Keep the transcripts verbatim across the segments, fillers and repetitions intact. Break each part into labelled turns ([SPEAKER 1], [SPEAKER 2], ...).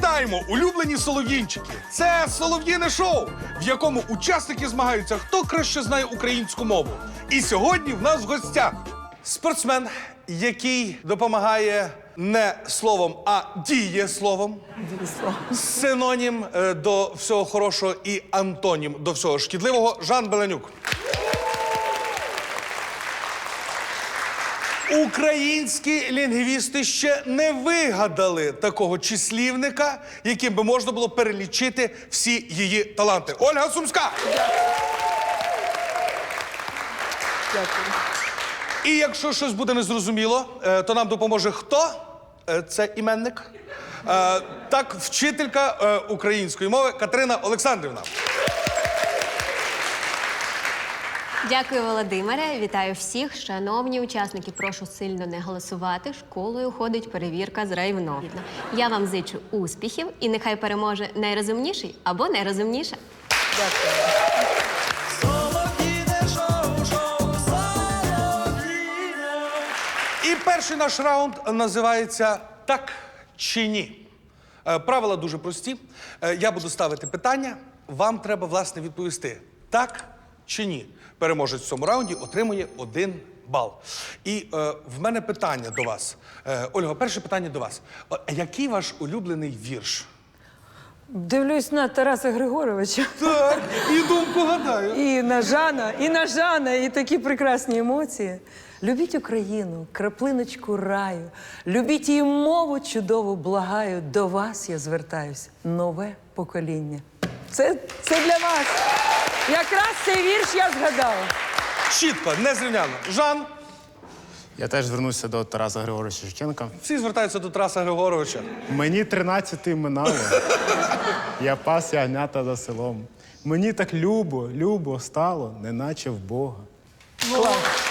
[SPEAKER 1] Вітаємо, улюблені солов'їнчики! Це солов'їне шоу, в якому учасники змагаються, хто краще знає українську мову. І сьогодні в нас в гостях спортсмен, який допомагає не словом, а дієсловом. Синонім е, до всього хорошого і антонім до всього шкідливого Жан Беленюк. Українські лінгвісти ще не вигадали такого числівника, яким би можна було перелічити всі її таланти. Ольга Сумська!
[SPEAKER 2] Дякую.
[SPEAKER 1] І якщо щось буде незрозуміло, е, то нам допоможе хто? Е, Це іменник. Е, Так, вчителька е, української мови Катерина Олександрівна.
[SPEAKER 3] Дякую, Володимире. Вітаю всіх. Шановні учасники, прошу сильно не голосувати. Школою ходить перевірка з райвно. Я вам зичу успіхів і нехай переможе найрозумніший або найрозумніша.
[SPEAKER 2] Дякую.
[SPEAKER 1] І перший наш раунд називається «Так чи ні?». Е, Правила дуже прості. Е, Я буду ставити питання, вам треба, власне, відповісти «так» чи «ні». Переможець в цьому раунді отримує один бал. І е, в мене питання до вас. Е, Ольга, перше питання до вас. О, який ваш улюблений вірш?
[SPEAKER 2] Дивлюсь на Тараса Григоровича.
[SPEAKER 1] Так, і думку гадаю.
[SPEAKER 2] І на Жана, і на Жана, і такі прекрасні емоції. Любіть Україну, краплиночку раю. Любіть її мову чудову, благаю. До вас я звертаюсь, нове покоління. Це, це для вас. Якраз цей вірш я згадала.
[SPEAKER 1] Чітко, незрівняно. Жан,
[SPEAKER 4] Я теж звернуся до Тараса Григоровича Шевченка.
[SPEAKER 1] всі звертаються до Тараса Григоровича.
[SPEAKER 4] Мені тринадцяти минало. Я пас ягнята за селом. Мені так любо, любо стало, неначе в Бога.
[SPEAKER 2] Клас.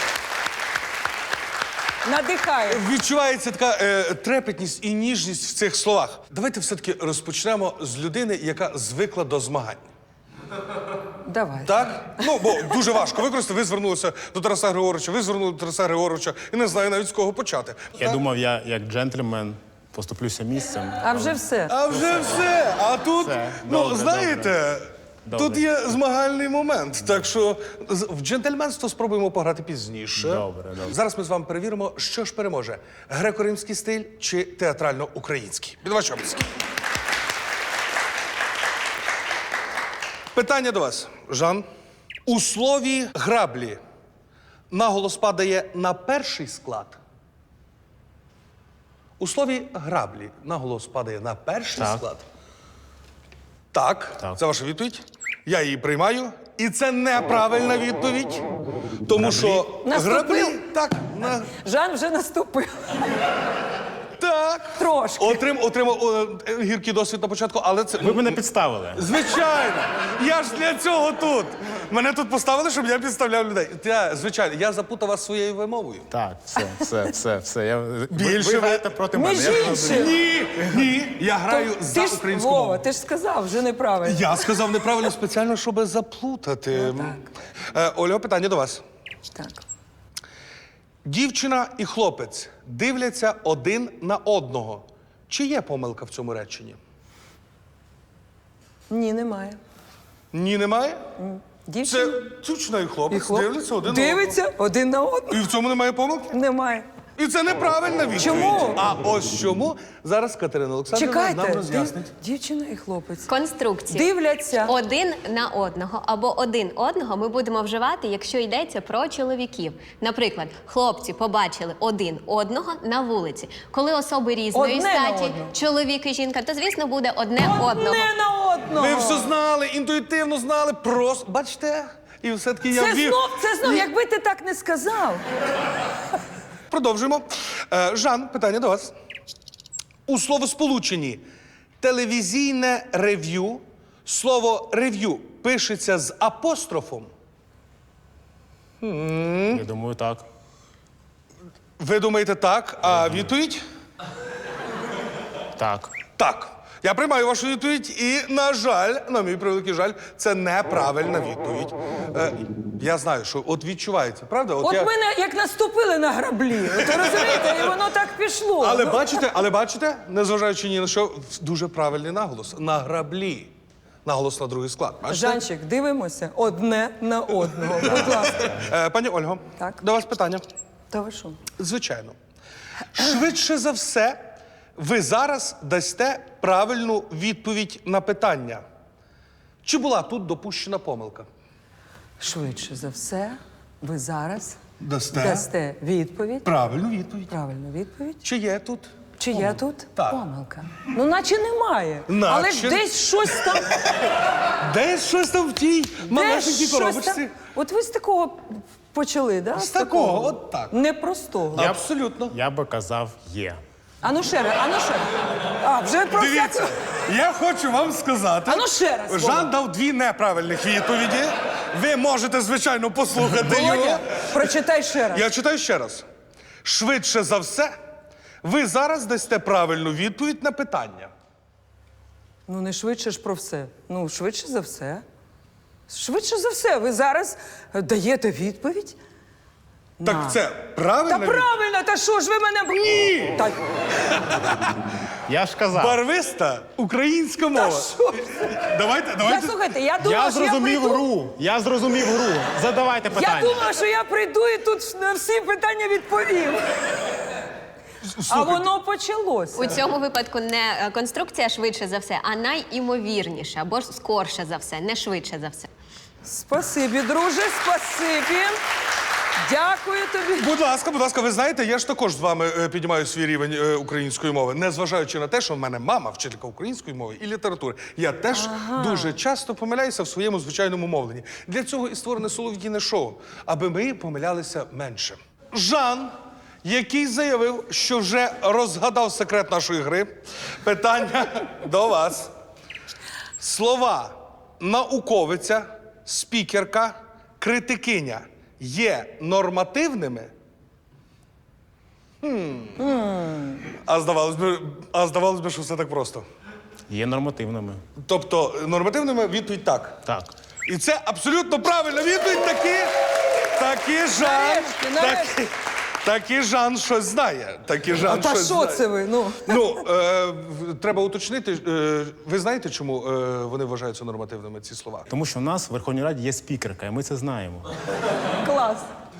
[SPEAKER 2] Надихає.
[SPEAKER 1] Відчувається така е, трепетність і ніжність в цих словах. Давайте все-таки розпочнемо з людини, яка звикла до змагань.
[SPEAKER 2] Давай.
[SPEAKER 1] Так? Ну, бо дуже важко використати. Ви звернулися до Тараса Григоровича, ви звернули до Тараса Григоровича і не знаю навіть з кого почати.
[SPEAKER 4] Я
[SPEAKER 1] Так?
[SPEAKER 4] думав, я як джентльмен поступлюся місцем.
[SPEAKER 2] А вже все.
[SPEAKER 1] А вже все. А тут,
[SPEAKER 4] Все.
[SPEAKER 1] ну,
[SPEAKER 4] Добре,
[SPEAKER 1] знаєте,
[SPEAKER 4] добре.
[SPEAKER 1] тут є змагальний момент. Так що з- в джентльменство спробуємо пограти пізніше.
[SPEAKER 4] Добре, добре.
[SPEAKER 1] Зараз ми з вами перевіримо, що ж переможе: греко-римський стиль чи театрально-український. Під ваші обласки. Питання до вас, Жан. У слові граблі наголос падає на перший склад. У слові граблі наголос падає на перший
[SPEAKER 4] Так.
[SPEAKER 1] склад. Так,
[SPEAKER 4] Так.
[SPEAKER 1] це ваша відповідь. Я її приймаю. І це неправильна відповідь. Тому що
[SPEAKER 2] Наступив?
[SPEAKER 1] граблі. Так, на,
[SPEAKER 2] Жан вже наступив.
[SPEAKER 1] так.
[SPEAKER 2] Трошки.
[SPEAKER 1] Отрим, отримав о, е, гіркий досвід на початку, але це.
[SPEAKER 4] Ви мене підставили.
[SPEAKER 1] Звичайно! Я ж для цього тут. Мене тут поставили, щоб я підставляв людей. Я, звичайно, я запутав вас своєю вимовою.
[SPEAKER 4] Так, все, все, все, все. Я...
[SPEAKER 1] Більше
[SPEAKER 4] ви, ви
[SPEAKER 1] ви-
[SPEAKER 4] граєте проти
[SPEAKER 2] Між
[SPEAKER 4] мене. Я
[SPEAKER 2] іншим.
[SPEAKER 1] Ні, ні, я граю
[SPEAKER 2] То
[SPEAKER 1] за
[SPEAKER 2] ти ж,
[SPEAKER 1] українську
[SPEAKER 2] Вова,
[SPEAKER 1] мову.
[SPEAKER 2] ти ж сказав, вже неправильно.
[SPEAKER 1] Я сказав неправильно спеціально, щоб заплутати. Е, Оля, питання до вас.
[SPEAKER 2] Так.
[SPEAKER 1] Дівчина і хлопець дивляться один на одного. Чи є помилка в цьому реченні?
[SPEAKER 2] Ні, немає.
[SPEAKER 1] Ні, немає?
[SPEAKER 2] Дівчина
[SPEAKER 1] Це дівчина і хлопець
[SPEAKER 2] і хлоп...
[SPEAKER 1] дивляться один
[SPEAKER 2] Дивиться один на
[SPEAKER 1] на
[SPEAKER 2] одного.
[SPEAKER 1] одного. І в цьому немає помилки?
[SPEAKER 2] Немає.
[SPEAKER 1] І це неправильна відповідь.
[SPEAKER 2] Чому?
[SPEAKER 1] А ось чому зараз Катерина Олександрівна нам
[SPEAKER 2] Чекайте,
[SPEAKER 1] роз'яснить.
[SPEAKER 2] дів- дівчина і хлопець.
[SPEAKER 3] Конструкції.
[SPEAKER 2] Дивляться.
[SPEAKER 3] Один на одного або один одного ми будемо вживати, якщо йдеться про чоловіків. Наприклад, хлопці побачили один одного на вулиці. Коли особи різної
[SPEAKER 2] Одне на
[SPEAKER 3] статі,
[SPEAKER 2] одного.
[SPEAKER 3] чоловік і жінка, то, звісно, буде одне одного.
[SPEAKER 2] Одне на одного.
[SPEAKER 1] Ви все знали, інтуїтивно знали, просто. Бачите? І все-таки я
[SPEAKER 2] Це
[SPEAKER 1] вів.
[SPEAKER 2] знов, це знов, якби ти так не сказав.
[SPEAKER 1] Продовжуємо. Е, Жан, питання до вас. У словосполученні телевізійне рев'ю слово рев'ю пишеться з апострофом.
[SPEAKER 4] Я думаю, так.
[SPEAKER 1] Ви думаєте так, а відповідь?
[SPEAKER 4] Так.
[SPEAKER 1] Так. Я приймаю вашу відповідь і, на жаль, на мій превеликий жаль, це неправильна відповідь. Е, я знаю, що от відчувається, правда?
[SPEAKER 2] От
[SPEAKER 1] я...
[SPEAKER 2] мене як наступили на граблі. От ви розумієте, і воно так пішло.
[SPEAKER 1] Але
[SPEAKER 2] Ну,
[SPEAKER 1] бачите, але бачите, незважаючи ні на що, дуже правильний наголос. На граблі. Наголос на другий склад. Бачите?
[SPEAKER 2] Жанчик, дивимося одне на одного. Будь ласка.
[SPEAKER 1] Е, пані Ольго,
[SPEAKER 2] Так.
[SPEAKER 1] до вас питання.
[SPEAKER 2] Та ви що?
[SPEAKER 1] Звичайно. Швидше за все, ви зараз дасте правильну відповідь на питання. Чи була тут допущена помилка?
[SPEAKER 2] Швидше за все, ви зараз
[SPEAKER 1] Дасте.
[SPEAKER 2] дасте відповідь.
[SPEAKER 1] Правильну відповідь.
[SPEAKER 2] Правильну відповідь.
[SPEAKER 1] Чи є тут?
[SPEAKER 2] Чи є тут
[SPEAKER 1] Так.
[SPEAKER 2] помилка? Ну, наче немає.
[SPEAKER 1] Наче.
[SPEAKER 2] Але ж десь щось там.
[SPEAKER 1] Десь щось там в тій
[SPEAKER 2] десь
[SPEAKER 1] малесенькій
[SPEAKER 2] щось
[SPEAKER 1] коробочці.
[SPEAKER 2] там. От ви з такого почали, да?
[SPEAKER 1] З такого, от так.
[SPEAKER 2] Непростого.
[SPEAKER 1] Абсолютно.
[SPEAKER 4] Я би казав є.
[SPEAKER 2] А ну ще раз, а ну ще раз. А, вже про
[SPEAKER 1] Дивіться,
[SPEAKER 2] всяку-
[SPEAKER 1] я хочу вам сказати.
[SPEAKER 2] А ну ще раз, Вова.
[SPEAKER 1] Жан дав дві неправильних відповіді. Ви можете, звичайно, послухати його.
[SPEAKER 2] Володя, прочитай ще раз.
[SPEAKER 1] Я читаю ще раз. Швидше за все, ви зараз дасте правильну відповідь на питання.
[SPEAKER 2] Ну, не швидше ж про все. Ну, швидше за все. Швидше за все, ви зараз даєте відповідь?
[SPEAKER 1] Так
[SPEAKER 2] На.
[SPEAKER 1] це
[SPEAKER 2] Та
[SPEAKER 1] правильно?
[SPEAKER 2] правильно, та що ж ви мене...
[SPEAKER 1] Ні!
[SPEAKER 2] Та,
[SPEAKER 4] Я ж казав.
[SPEAKER 1] Барвиста українська
[SPEAKER 2] та
[SPEAKER 1] мова.
[SPEAKER 2] що?
[SPEAKER 1] Давайте,
[SPEAKER 2] Та
[SPEAKER 1] давайте.
[SPEAKER 2] слухайте, я думала,
[SPEAKER 4] Я
[SPEAKER 2] що я
[SPEAKER 4] зрозумів
[SPEAKER 2] прийду...
[SPEAKER 4] гру. Я зрозумів гру. Задавайте
[SPEAKER 2] Я
[SPEAKER 4] питання.
[SPEAKER 2] думала, що я прийду і тут на всі питання відповім. А воно почалося.
[SPEAKER 3] У цьому випадку не е, конструкція швидше за все, а найімовірніше, або ж скорше за все, не швидше за все.
[SPEAKER 2] Спасибі, друже, спасибі. Дякую тобі.
[SPEAKER 1] Будь ласка, будь ласка, ви знаєте, я ж також з вами е, піднімаю свій рівень е, української мови. Незважаючи на те, що в мене мама вчителька української мови і літератури. Я теж дуже часто помиляюся в своєму звичайному мовленні. Для цього і створене солов'їне шоу, аби ми помилялися менше. Жан, який заявив, що вже розгадав секрет нашої гри, питання до вас. Слова науковиця, спікерка, критикиня є нормативними? Хм. А здавалось би, а здавалось би, що все так просто.
[SPEAKER 4] Є нормативними.
[SPEAKER 1] Тобто нормативними відповідь так.
[SPEAKER 4] Так.
[SPEAKER 1] І це абсолютно правильна відповідь. Таки, таки Жан,
[SPEAKER 2] Нарешті, нарешті.
[SPEAKER 1] таки, таки Жан щось знає. Таки Жан
[SPEAKER 2] А та
[SPEAKER 1] щось
[SPEAKER 2] що
[SPEAKER 1] знає.
[SPEAKER 2] це ви? Ну,
[SPEAKER 1] Ну, е, в- треба уточнити. Е, ви знаєте, чому е, вони вважаються нормативними, ці слова?
[SPEAKER 4] Тому що в нас в Верховній Раді є спікерка, і ми це знаємо.
[SPEAKER 2] клас.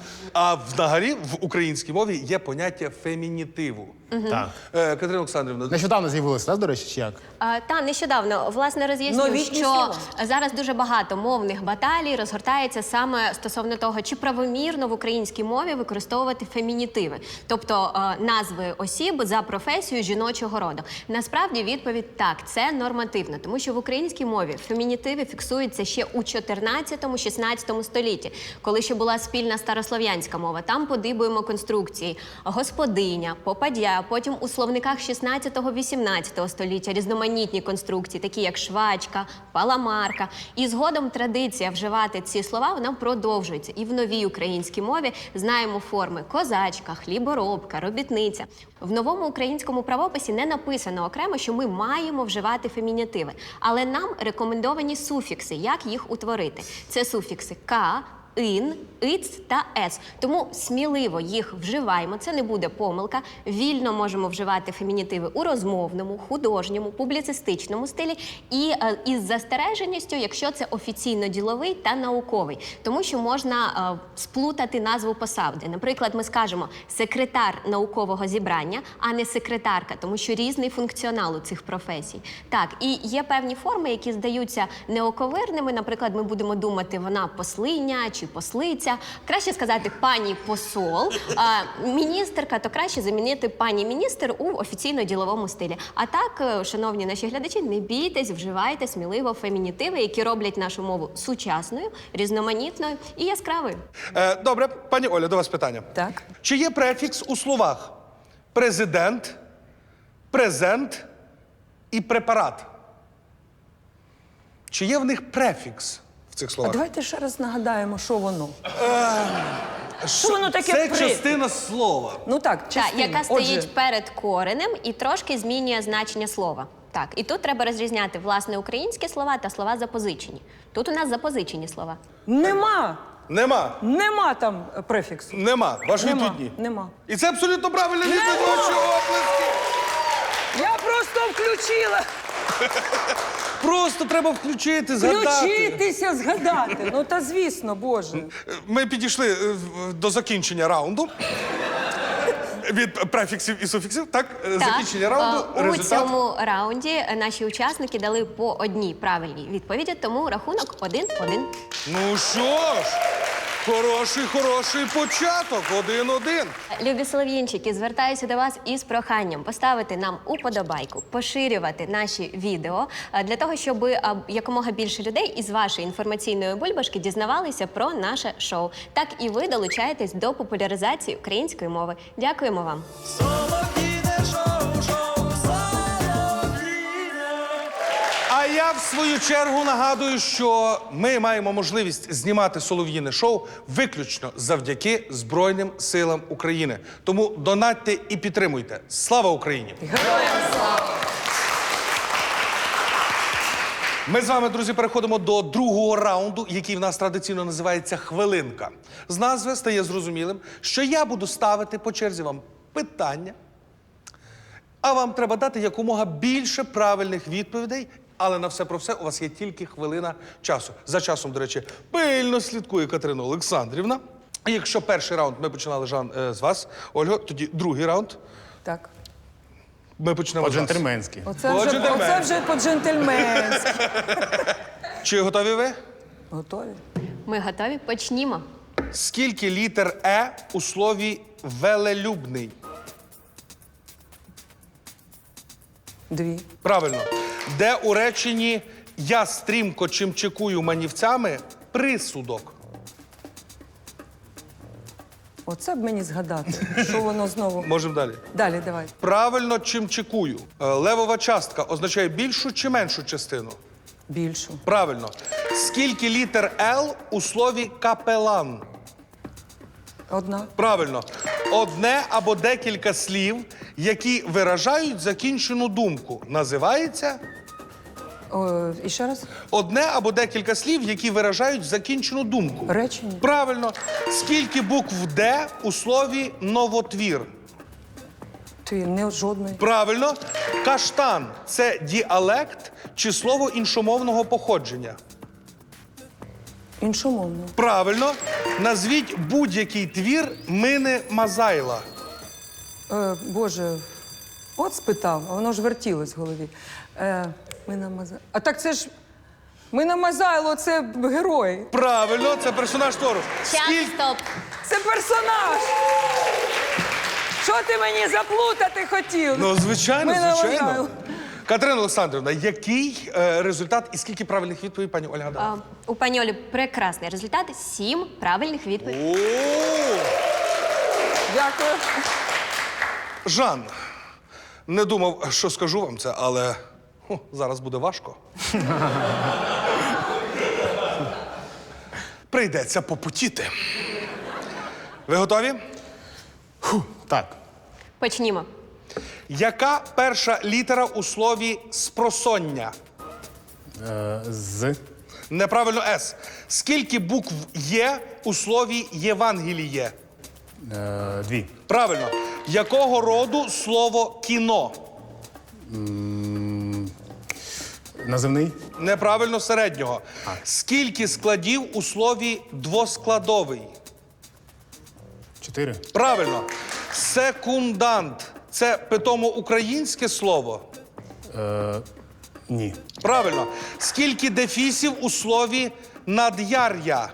[SPEAKER 1] А взагалі в українській мові є поняття фемінітиву.
[SPEAKER 4] Так.
[SPEAKER 1] Е, Катерина Олександрівна,
[SPEAKER 4] Нещодавно з'явилося, так, до речі, чи як?
[SPEAKER 3] А, та нещодавно власне роз'ясню,
[SPEAKER 2] Новітні
[SPEAKER 3] що
[SPEAKER 2] слова.
[SPEAKER 3] зараз дуже багато мовних баталій розгортається саме стосовно того, чи правомірно в українській мові використовувати фемінітиви, тобто е, назви осіб за професією жіночого роду. Насправді відповідь так, це нормативно, тому що в українській мові фемінітиви фіксуються ще у чотирнадцятому-шістнадцятому столітті, коли ще була спільна старослов'янська мова. Там подибуємо конструкції господиня, попадя. Потім у словниках шістнадцятого-вісімнадцятого століття різноманітні конструкції, такі як швачка, паламарка. І згодом традиція вживати ці слова, вона продовжується. І в новій українській мові знаємо форми козачка, хліборобка, робітниця. В новому українському правописі не написано окремо, що ми маємо вживати фемінітиви. Але нам рекомендовані суфікси, як їх утворити. Це суфікси «ка», ин, иц та ес. Тому сміливо їх вживаємо, це не буде помилка. Вільно можемо вживати фемінітиви у розмовному, художньому, публіцистичному стилі і е, із застереженістю, якщо це офіційно-діловий та науковий. Тому що можна е, сплутати назву посади. Наприклад, ми скажемо секретар наукового зібрання, а не секретарка, тому що різний функціонал у цих професій. Так, і є певні форми, які здаються неоковирними. Наприклад, ми будемо думати, вона послиня чи послиця. Краще сказати пані посол, а міністерка, то краще замінити пані міністр у офіційно-діловому стилі. А так, е, шановні наші глядачі, не бійтесь, вживайте сміливо фемінітиви, які роблять нашу мову сучасною, різноманітною і яскравою.
[SPEAKER 1] Е, добре, пані Оля, до вас питання.
[SPEAKER 2] Так.
[SPEAKER 1] Чи є префікс у словах президент, презент і препарат? Чи є в них префікс в цих
[SPEAKER 2] А
[SPEAKER 1] словах?
[SPEAKER 2] давайте ще раз нагадаємо, що воно.
[SPEAKER 1] Що
[SPEAKER 2] воно таке
[SPEAKER 1] Це
[SPEAKER 2] при-
[SPEAKER 1] частина слова.
[SPEAKER 2] Ну так,
[SPEAKER 3] Так,
[SPEAKER 2] частина.
[SPEAKER 3] яка стоїть
[SPEAKER 2] Отже,
[SPEAKER 3] перед коренем і трошки змінює значення слова. Так, і тут треба розрізняти власне українські слова та слова запозичені. Тут у нас запозичені слова.
[SPEAKER 2] Нема.
[SPEAKER 1] Нема.
[SPEAKER 2] Нема там е, префіксу.
[SPEAKER 1] Нема. Ваш
[SPEAKER 2] Нема.
[SPEAKER 1] відповідь ні.
[SPEAKER 2] Нема.
[SPEAKER 1] І це абсолютно правильна відповідь.
[SPEAKER 2] Нема.
[SPEAKER 1] Ваші оплески.
[SPEAKER 2] Я просто включила.
[SPEAKER 1] Просто треба включити, згадати.
[SPEAKER 2] Включитися, згадати. Ну та звісно, Боже.
[SPEAKER 1] Ми підійшли е, в- до закінчення раунду. Від префіксів і суфіксів, так? Е, Закінчення раунду,
[SPEAKER 3] е, у
[SPEAKER 1] результат.
[SPEAKER 3] цьому раунді е, наші учасники дали по одній правильній відповіді, тому рахунок один-один.
[SPEAKER 1] Ну що ж, хороший, хороший початок. Один-один.
[SPEAKER 3] Любі солов'їнчики, звертаюся до вас із проханням поставити нам уподобайку, поширювати наші відео е, для того, щоб е, якомога більше людей із вашої інформаційної бульбашки дізнавалися про наше шоу. Так і ви долучаєтесь до популяризації української мови. Дякуємо вам.
[SPEAKER 1] А я в свою чергу нагадую, що ми маємо можливість знімати солов'їне шоу виключно завдяки Збройним силам України. Тому донатьте і підтримуйте. Слава Україні!
[SPEAKER 2] Героям слава!
[SPEAKER 1] Ми з вами, друзі, переходимо до другого раунду, який в нас традиційно називається «Хвилинка». З назви стає зрозумілим, що я буду ставити по черзі вам питання, а вам треба дати якомога більше правильних відповідей, але на все про все у вас є тільки хвилина часу. За часом, до речі, пильно слідкує Катерина Олександрівна. І якщо перший раунд ми починали, Жан, е, з вас, Ольго, тоді другий раунд
[SPEAKER 2] Так.
[SPEAKER 1] ми почнемо з вас.
[SPEAKER 4] По-джентльменськи.
[SPEAKER 2] Оце вже,
[SPEAKER 1] По-джентльменськи.
[SPEAKER 2] оце вже по-джентльменськи.
[SPEAKER 1] Чи готові ви?
[SPEAKER 2] Готові?
[SPEAKER 3] Ми готові? Почнімо.
[SPEAKER 1] Скільки літер «е» у слові «велелюбний»?
[SPEAKER 2] Дві.
[SPEAKER 1] Правильно. Де у реченні «я стрімко чимчикую манівцями» присудок?
[SPEAKER 2] Оце б мені згадати, що воно знову.
[SPEAKER 1] Можемо далі.
[SPEAKER 2] Далі, давай.
[SPEAKER 1] Правильно чимчикую. Е, Левова частка означає більшу чи меншу частину?
[SPEAKER 2] Більшу.
[SPEAKER 1] Правильно. Скільки літер «л» у слові «капелан»?
[SPEAKER 2] Одна.
[SPEAKER 1] Правильно. Одне або декілька слів, які виражають закінчену думку, називається
[SPEAKER 2] О, і ще раз.
[SPEAKER 1] одне або декілька слів, які виражають закінчену думку.
[SPEAKER 2] Речення.
[SPEAKER 1] Правильно. Скільки букв «д» у слові «новотвір»?
[SPEAKER 2] Ти не жодної.
[SPEAKER 1] Правильно. Каштан – це діалект чи слово іншомовного походження?
[SPEAKER 2] Іншомовно.
[SPEAKER 1] Правильно. Назвіть будь-який твір Мини Мазайла.
[SPEAKER 2] Е, Боже, от спитав, а воно ж вертілось в голові. Е, ми намазали. А так це ж. Ми намазайло, це герой.
[SPEAKER 1] Правильно, це персонаж твору.
[SPEAKER 3] Час,
[SPEAKER 1] Скільки...
[SPEAKER 3] стоп.
[SPEAKER 2] Це персонаж. Що ти мені заплутати хотів?
[SPEAKER 1] Ну, звичайно,
[SPEAKER 2] Ми
[SPEAKER 1] звичайно.
[SPEAKER 2] намазайло.
[SPEAKER 1] Катерина Олександрівна, який е, результат і скільки правильних відповідей пані Ольга дала?
[SPEAKER 3] А, у пані Олі прекрасний результат. Сім правильних відповідей.
[SPEAKER 1] О!
[SPEAKER 2] Дякую.
[SPEAKER 1] Жан, не думав, що скажу вам це, але ху, зараз буде важко. Прийдеться попутіти. Ви готові?
[SPEAKER 4] Так.
[SPEAKER 3] Почнімо.
[SPEAKER 1] Яка перша літера у слові «спросоння»?
[SPEAKER 4] Е, з.
[SPEAKER 1] Неправильно «с». Скільки букв є у слові «євангеліє»?
[SPEAKER 4] Е, дві.
[SPEAKER 1] Правильно. Якого роду слово «кіно»?
[SPEAKER 4] Називний.
[SPEAKER 1] Неправильно середнього. Скільки складів у слові «двоскладовий»?
[SPEAKER 4] Чотири.
[SPEAKER 1] Правильно. Секундант – це питомо українське слово?
[SPEAKER 4] Е, ні.
[SPEAKER 1] Правильно. Скільки дефісів у слові «над'яр'я»?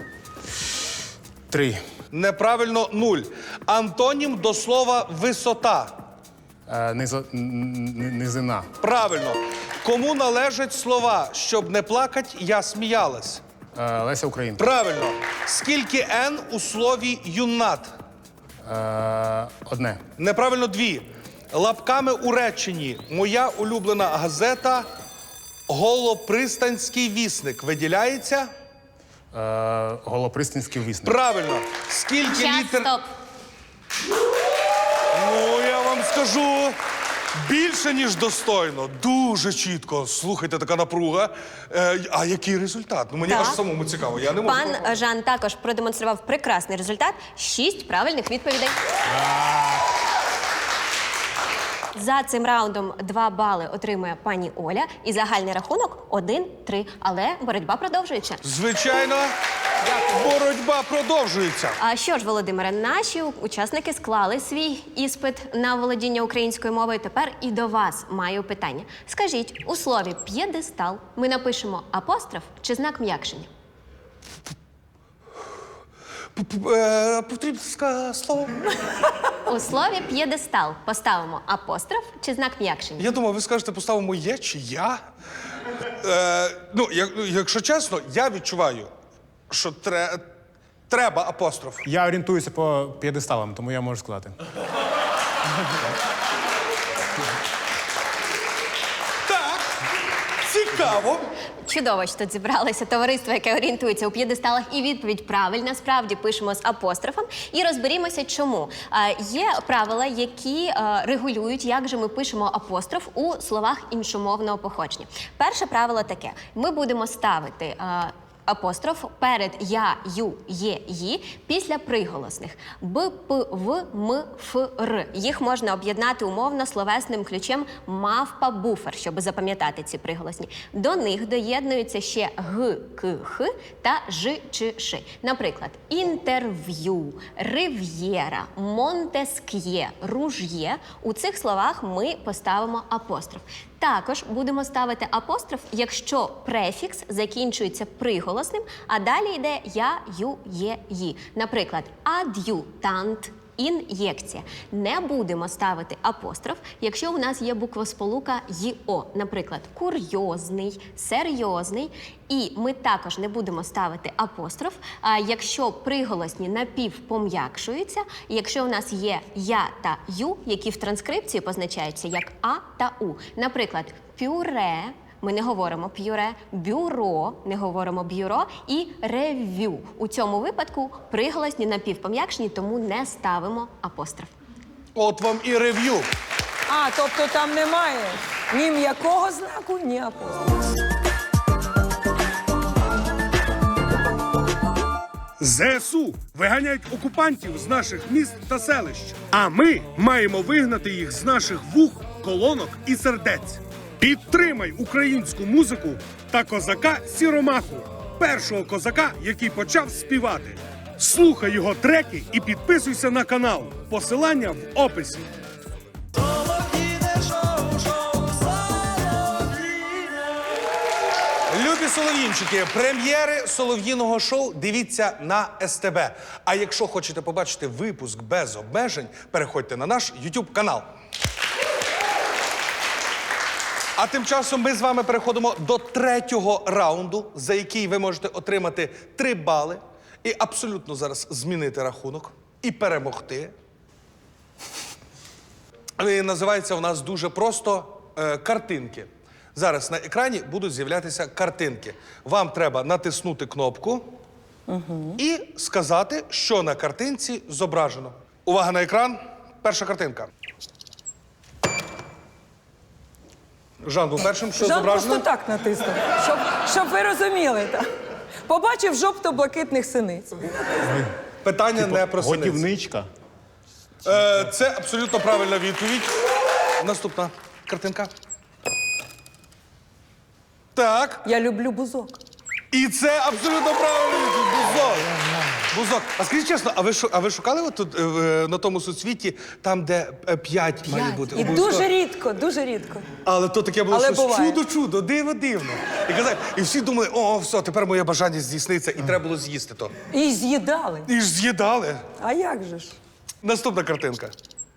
[SPEAKER 4] Три.
[SPEAKER 1] Неправильно нуль. Антонім до слова «висота».
[SPEAKER 4] Е, низо, н- н- низина.
[SPEAKER 1] Правильно. Кому належать слова «щоб не плакать, я сміялась»?
[SPEAKER 4] Е, Леся Українка.
[SPEAKER 1] Правильно. Скільки «н» у слові «юнат»?
[SPEAKER 4] Е, одне.
[SPEAKER 1] Неправильно дві. Лапками у реченні «Моя улюблена газета Голопристанський вісник» виділяється?
[SPEAKER 4] Е, Голопристанський вісник.
[SPEAKER 1] Правильно. Скільки
[SPEAKER 3] Час,
[SPEAKER 1] літер...
[SPEAKER 3] стоп.
[SPEAKER 1] Ну, я вам скажу. Більше, ніж достойно. Дуже чітко. Слухайте, така напруга. Е, а який результат? Ну, мені
[SPEAKER 3] Так.
[SPEAKER 1] аж самому цікаво. Я не можу.
[SPEAKER 3] Пан Жан також продемонстрував прекрасний результат. Шість правильних відповідей. За цим раундом два бали отримує пані Оля. І загальний рахунок один-три. Але боротьба продовжується.
[SPEAKER 1] Звичайно, боротьба продовжується.
[SPEAKER 3] А що ж, Володимире, наші учасники склали свій іспит на володіння українською мовою. Тепер і до вас маю питання. Скажіть, у слові «п'єдестал» ми напишемо апостроф чи знак м'якшення?
[SPEAKER 1] П- е, Потрібно сказати слово.
[SPEAKER 3] У слові «п'єдестал» поставимо апостроф чи знак м'якшення?
[SPEAKER 1] Я думав, ви скажете, поставимо є чи я. Е, ну, як, якщо чесно, я відчуваю, що тре, треба апостроф.
[SPEAKER 4] Я орієнтуюся по п'єдесталам, тому я можу сказати.
[SPEAKER 1] Так, цікаво.
[SPEAKER 3] Чудово, що тут зібралося товариство, яке орієнтується у п'єдесталах, і відповідь правильна. Справді пишемо з апострофом. І розберімося, чому. А, є правила, які а, регулюють, як же ми пишемо апостроф у словах іншомовного походження. Перше правило таке. Ми будемо ставити а, апостроф перед я, ю, є, ї після приголосних б, п, в, м, ф, р. Їх можна об'єднати умовно словесним ключем мавпа-буфер, щоб запам'ятати ці приголосні. До них доєднуються ще г, к, х та ж, ч, ш. Наприклад, інтерв'ю, рив'єра, монтеск'є, руж'є. У цих словах ми поставимо апостроф. Також будемо ставити апостроф, якщо префікс закінчується приголосним, а далі йде я, ю, є, ї. Наприклад, ад'ютант, ін'єкція. Не будемо ставити апостроф, якщо у нас є буквосполука й-о. Наприклад, курйозний, серйозний. І ми також не будемо ставити апостроф, а якщо приголосні напівпом'якшуються, і якщо у нас є я та ю, які в транскрипції позначаються як а та у. Наприклад, пюре, ми не говоримо п'юре, бюро, не говоримо бюро, і рев'ю. У цьому випадку приголосні напівпом'якшені, тому не ставимо апостроф.
[SPEAKER 1] От вам і рев'ю.
[SPEAKER 2] А, тобто там немає ні м'якого знаку, ні апострофу.
[SPEAKER 1] ЗСУ виганяють окупантів з наших міст та селищ. А ми маємо вигнати їх з наших вух, колонок і сердець. Підтримай українську музику та козака Сіромаху, першого козака, який почав співати. Слухай його треки і підписуйся на канал. Посилання в описі. Любі солов'їнчики, прем'єри солов'їного шоу дивіться на ес те бе. А якщо хочете побачити випуск без обмежень, переходьте на наш ютуб канал. А тим часом ми з вами переходимо до третього раунду, за який ви можете отримати три бали і абсолютно зараз змінити рахунок і перемогти. І називається у нас дуже просто е, картинки. Зараз на екрані будуть з'являтися картинки. Вам треба натиснути кнопку і сказати, що на картинці зображено. Увага на екран. Перша картинка. Жан був першим, що
[SPEAKER 2] Жан
[SPEAKER 1] зображено?
[SPEAKER 2] просто так натиснув, щоб, щоб ви розуміли. Так. Побачив жовто-блакитних синиць.
[SPEAKER 1] Питання не про синиць.
[SPEAKER 4] Годівничка.
[SPEAKER 1] Е, це абсолютно правильна відповідь. Наступна картинка. Так.
[SPEAKER 2] Я люблю бузок.
[SPEAKER 1] І це абсолютно правильно. Бузок. Бузок. А скажіть чесно, а ви, шу- а ви шукали от тут, е, в- на тому суцвіті, там, де е, п'ять має бути?
[SPEAKER 2] І
[SPEAKER 1] обов'язково?
[SPEAKER 2] дуже рідко, дуже рідко.
[SPEAKER 1] Але то таке було
[SPEAKER 2] Але
[SPEAKER 1] щось
[SPEAKER 2] буває.
[SPEAKER 1] чудо-чудо, диво-дивно. І казали, і всі думали, о, все, тепер моє бажання здійсниться, і треба було з'їсти то.
[SPEAKER 2] І з'їдали.
[SPEAKER 1] І ж з'їдали.
[SPEAKER 2] А як же ж?
[SPEAKER 1] Наступна картинка.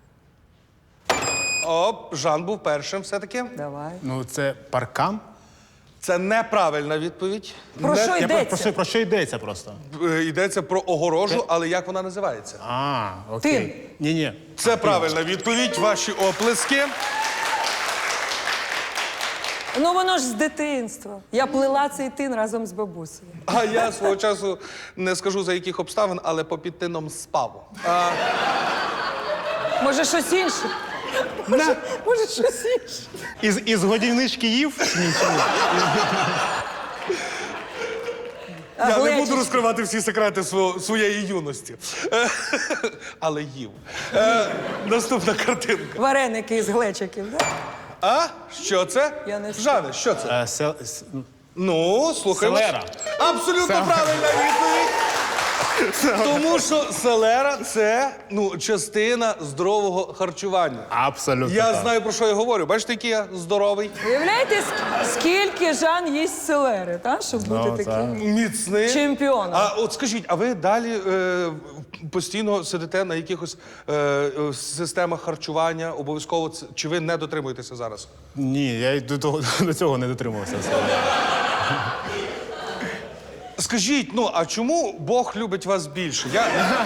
[SPEAKER 1] Оп, Жан був першим все-таки.
[SPEAKER 2] Давай.
[SPEAKER 4] Ну, це паркан.
[SPEAKER 1] Це неправильна відповідь.
[SPEAKER 2] Про
[SPEAKER 1] Не-
[SPEAKER 2] що
[SPEAKER 4] Я про,
[SPEAKER 2] йдеться?
[SPEAKER 4] про, що, про що йдеться просто?
[SPEAKER 1] Е, Йдеться про огорожу, але як вона називається?
[SPEAKER 4] А, окей.
[SPEAKER 2] Тин.
[SPEAKER 4] Ні-ні.
[SPEAKER 1] Це правильна відповідь, ваші оплески.
[SPEAKER 2] Ну воно ж з дитинства. Я плела цей тин разом з бабусею.
[SPEAKER 1] А я свого часу не скажу за яких обставин, але попід тином спав. А,
[SPEAKER 2] Може, щось інше?
[SPEAKER 4] На.
[SPEAKER 2] Може, щось інше.
[SPEAKER 4] Із, із годівнички їв? Ні, чи ні?
[SPEAKER 2] А
[SPEAKER 1] Я не
[SPEAKER 2] глечик?
[SPEAKER 1] буду розкривати всі секрети сво- своєї юності. Е, Але їв. Е, Наступна картинка.
[SPEAKER 2] Вареники із глечиків, так?
[SPEAKER 1] А? Що це?
[SPEAKER 2] Я не
[SPEAKER 1] Жане, що це?
[SPEAKER 4] Е, се- с-
[SPEAKER 1] Ну, слухаємо.
[SPEAKER 4] Селера.
[SPEAKER 1] Абсолютно
[SPEAKER 4] Це-
[SPEAKER 1] правильна відповідь. Тому що селера це ну, частина здорового харчування.
[SPEAKER 4] Абсолютно.
[SPEAKER 1] Я
[SPEAKER 4] так.
[SPEAKER 1] знаю, про що я говорю. Бачите, який я здоровий,
[SPEAKER 2] Уявляєте, ск- скільки Жан їсть селери, так? Щоб бути
[SPEAKER 4] Ну,
[SPEAKER 2] таким
[SPEAKER 1] міцний.
[SPEAKER 2] чемпіоном.
[SPEAKER 1] А от скажіть, а ви далі е, постійно сидите на якихось е, е, системах харчування, обов'язково це- чи ви не дотримуєтеся зараз?
[SPEAKER 4] Ні, я й до, того, до цього не дотримувався.
[SPEAKER 1] Скажіть, ну а чому Бог любить вас більше? Я...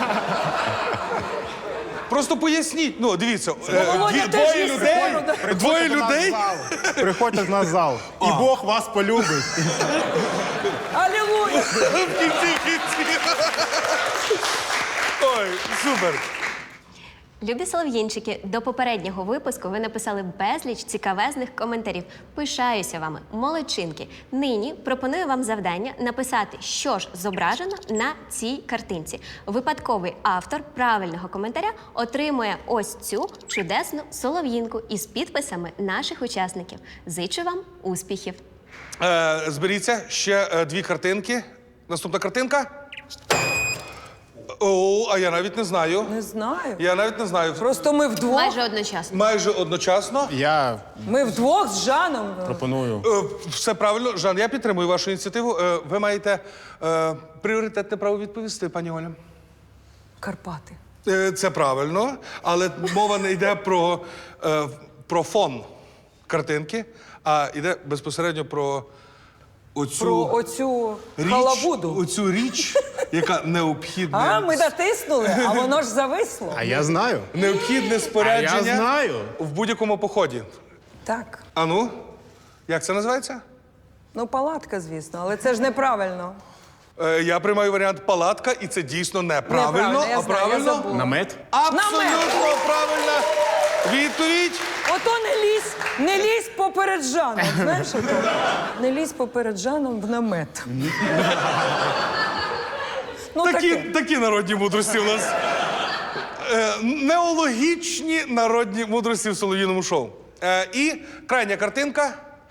[SPEAKER 1] Просто поясніть. Ну, дивіться, е,
[SPEAKER 2] Володя
[SPEAKER 1] дві-
[SPEAKER 2] теж
[SPEAKER 1] двоє
[SPEAKER 2] є
[SPEAKER 1] людей,
[SPEAKER 2] схорода.
[SPEAKER 1] двоє людей.
[SPEAKER 4] Приходьте в наш зал. І Бог вас полюбить.
[SPEAKER 2] Алілуя!
[SPEAKER 1] В кінці кінці. Ой, супер.
[SPEAKER 3] Любі солов'їнчики, до попереднього випуску ви написали безліч цікавезних коментарів. Пишаюся вами, молодчинки. Нині пропоную вам завдання написати, що ж зображено на цій картинці. Випадковий автор правильного коментаря отримує ось цю чудесну солов'їнку із підписами наших учасників. Зичу вам успіхів!
[SPEAKER 1] Е, зберіться ще е, дві картинки. Наступна картинка. О, а я навіть не знаю.
[SPEAKER 2] Не знаю.
[SPEAKER 1] Я навіть не знаю.
[SPEAKER 2] Просто ми вдвох.
[SPEAKER 3] Майже одночасно.
[SPEAKER 1] Майже одночасно.
[SPEAKER 4] Я
[SPEAKER 2] Ми вдвох з Жаном.
[SPEAKER 4] пропоную.
[SPEAKER 1] Е, Все правильно. Жан, я підтримую вашу ініціативу. Е, Ви маєте е, пріоритетне право відповісти, пані Оля.
[SPEAKER 2] Карпати.
[SPEAKER 1] Е, Це правильно, але мова не йде про, е, про фон картинки, а йде безпосередньо про оцю
[SPEAKER 2] Про оцю
[SPEAKER 1] річ,
[SPEAKER 2] халабуду.
[SPEAKER 1] оцю річ, яка необхідна.
[SPEAKER 2] А, ми дотиснули, а воно ж зависло.
[SPEAKER 4] А я знаю.
[SPEAKER 1] Необхідне спорядження
[SPEAKER 4] А я знаю.
[SPEAKER 1] в будь-якому поході.
[SPEAKER 2] Так.
[SPEAKER 1] А ну, як це називається?
[SPEAKER 2] Ну, палатка, звісно, але це ж неправильно.
[SPEAKER 1] Е, я приймаю варіант палатка, і це дійсно неправильно,
[SPEAKER 2] Неправильно, я
[SPEAKER 1] а
[SPEAKER 2] знаю, я
[SPEAKER 1] правильно.
[SPEAKER 2] забула.
[SPEAKER 4] Намет?
[SPEAKER 1] Абсолютно правильна відповідь.
[SPEAKER 2] Ото не лізь, не лізь поперед Жаном, знаєш ото? Не лізь поперед Жаном в намет. Ну,
[SPEAKER 1] Такі,
[SPEAKER 2] таке.
[SPEAKER 1] такі народні мудрості у нас. Е, неологічні народні мудрості в солов'їному шоу. Е, і крайня картинка.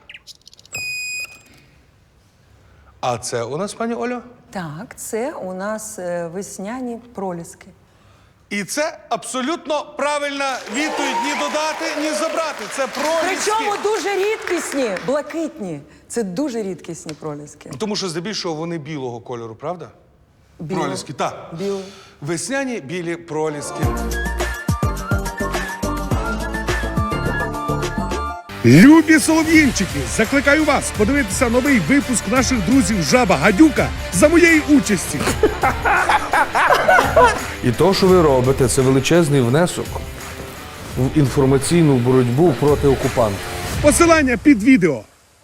[SPEAKER 1] А це у нас, пані Олю?
[SPEAKER 2] Так, це у нас е, весняні проліски.
[SPEAKER 1] І це абсолютно правильна відповідь. Ні додати, ні забрати. Це проліски.
[SPEAKER 2] Причому дуже рідкісні, блакитні. Це дуже рідкісні проліски.
[SPEAKER 1] Тому що здебільшого вони білого кольору, правда?
[SPEAKER 2] Біло.
[SPEAKER 1] Проліски, так.
[SPEAKER 2] Біло.
[SPEAKER 1] Весняні білі проліски.
[SPEAKER 5] Любі солов'їнчики, закликаю вас подивитися новий випуск наших друзів Жаба Гадюка за моєї участі.
[SPEAKER 6] І то, що ви робите, це величезний внесок в інформаційну боротьбу проти окупанта.
[SPEAKER 5] Посилання під відео.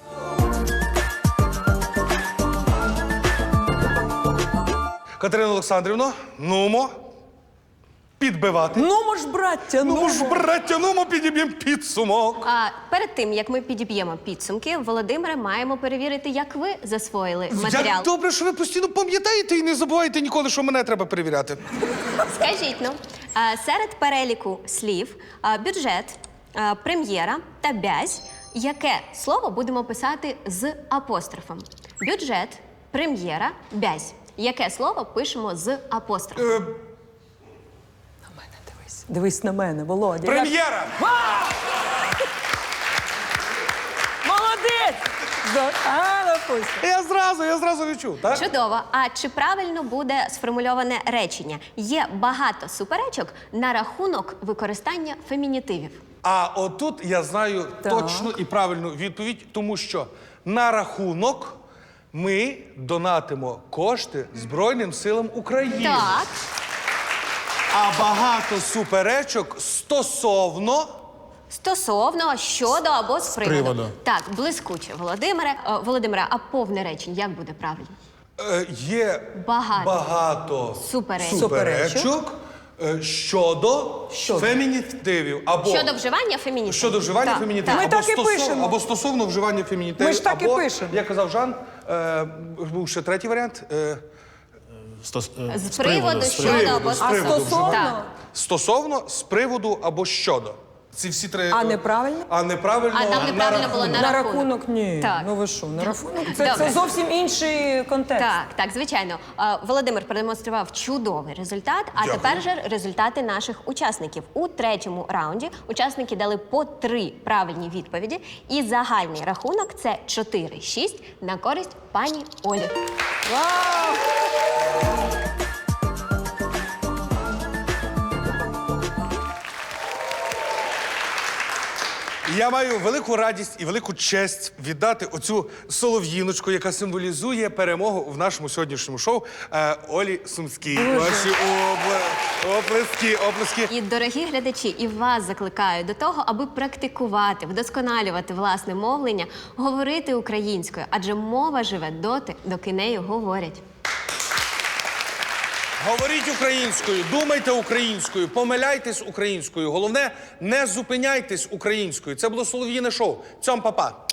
[SPEAKER 1] Катерина Олександрівна, нумо. Підбивати.
[SPEAKER 2] Ну, мож, браття, ну.
[SPEAKER 1] Ну ж, браття, нумо підіб'ємо підсумок.
[SPEAKER 3] А перед тим, як ми підіб'ємо підсумки, Володимире, маємо перевірити, як ви засвоїли матеріал.
[SPEAKER 1] Як добре, що ви постійно пам'ятаєте і не забуваєте ніколи, що мене треба перевіряти.
[SPEAKER 3] Скажіть, ну, а, серед переліку слів а, бюджет, а, прем'єра та бязь, яке слово будемо писати з апострофом? Бюджет, прем'єра, бязь. Яке слово пишемо з апострофом?
[SPEAKER 1] Е,
[SPEAKER 2] На мене дивись. Дивись на мене, Володя.
[SPEAKER 1] прем'єра!
[SPEAKER 2] Молодець! За- А, допустим.
[SPEAKER 1] Я зразу, я зразу відчув, так?
[SPEAKER 3] Чудово. А чи правильно буде сформульоване речення? Є багато суперечок на рахунок використання фемінітивів.
[SPEAKER 1] А отут я знаю
[SPEAKER 2] Так.
[SPEAKER 1] точну і правильну відповідь, тому що на рахунок ми донатимо кошти Збройним силам України.
[SPEAKER 3] Так.
[SPEAKER 1] А багато суперечок стосовно.
[SPEAKER 3] Стосовно, щодо або з приводу.
[SPEAKER 4] приводу.
[SPEAKER 3] Так, блискуче, Володимире. Е, Володимире, а повне речення як буде правильно?
[SPEAKER 1] Е, є
[SPEAKER 3] Багато.
[SPEAKER 1] багато
[SPEAKER 3] Суперечок.
[SPEAKER 1] суперечок Е, Щодо,
[SPEAKER 2] Щодо.
[SPEAKER 1] фемінітивів або
[SPEAKER 3] Щодо вживання фемінітивів.
[SPEAKER 1] щодо вживання
[SPEAKER 3] Так,
[SPEAKER 1] фемінітивів.
[SPEAKER 2] Ми
[SPEAKER 1] або,
[SPEAKER 2] так і
[SPEAKER 1] стосов-
[SPEAKER 2] пишемо.
[SPEAKER 1] або стосовно вживання фемінітивів.
[SPEAKER 2] Ми ж так і
[SPEAKER 1] або,
[SPEAKER 2] пишемо.
[SPEAKER 1] як казав Жан, е, був ще третій варіант. Е,
[SPEAKER 4] Стос- е,
[SPEAKER 3] З приводу,
[SPEAKER 4] з
[SPEAKER 3] щодо
[SPEAKER 1] приводу,
[SPEAKER 3] або
[SPEAKER 1] з
[SPEAKER 2] А
[SPEAKER 1] приводу
[SPEAKER 2] стосовно?
[SPEAKER 3] Так.
[SPEAKER 1] стосовно, з приводу або щодо. Ці всі три.
[SPEAKER 2] А
[SPEAKER 1] е,
[SPEAKER 2] неправильно?
[SPEAKER 1] А неправильно.
[SPEAKER 3] А там неправильно було на
[SPEAKER 2] На
[SPEAKER 3] рахунок.
[SPEAKER 2] рахунок ні.
[SPEAKER 3] Так.
[SPEAKER 2] Ну ви що, на рахунок? Це,
[SPEAKER 3] Добре.
[SPEAKER 2] це зовсім інший контекст.
[SPEAKER 3] Так, так, звичайно. А, Володимир продемонстрував чудовий результат. А
[SPEAKER 1] Дякую.
[SPEAKER 3] тепер же результати наших учасників. У третьому раунді учасники дали по три правильні відповіді, і загальний рахунок це чотири шість на користь пані Олі.
[SPEAKER 2] Вау!
[SPEAKER 1] Я маю велику радість і велику честь віддати оцю солов'їночку, яка символізує перемогу в нашому сьогоднішньому шоу е, Олі Сумській. Ваші обла- оплески, оплески.
[SPEAKER 3] І, дорогі глядачі, і вас закликаю до того, аби практикувати, вдосконалювати власне мовлення, говорити українською, адже мова живе доти, доки нею говорять.
[SPEAKER 1] Говоріть українською, думайте українською, помиляйтесь українською. Головне, не зупиняйтесь українською. Це було Солов'їне шоу. Цьом, па-па.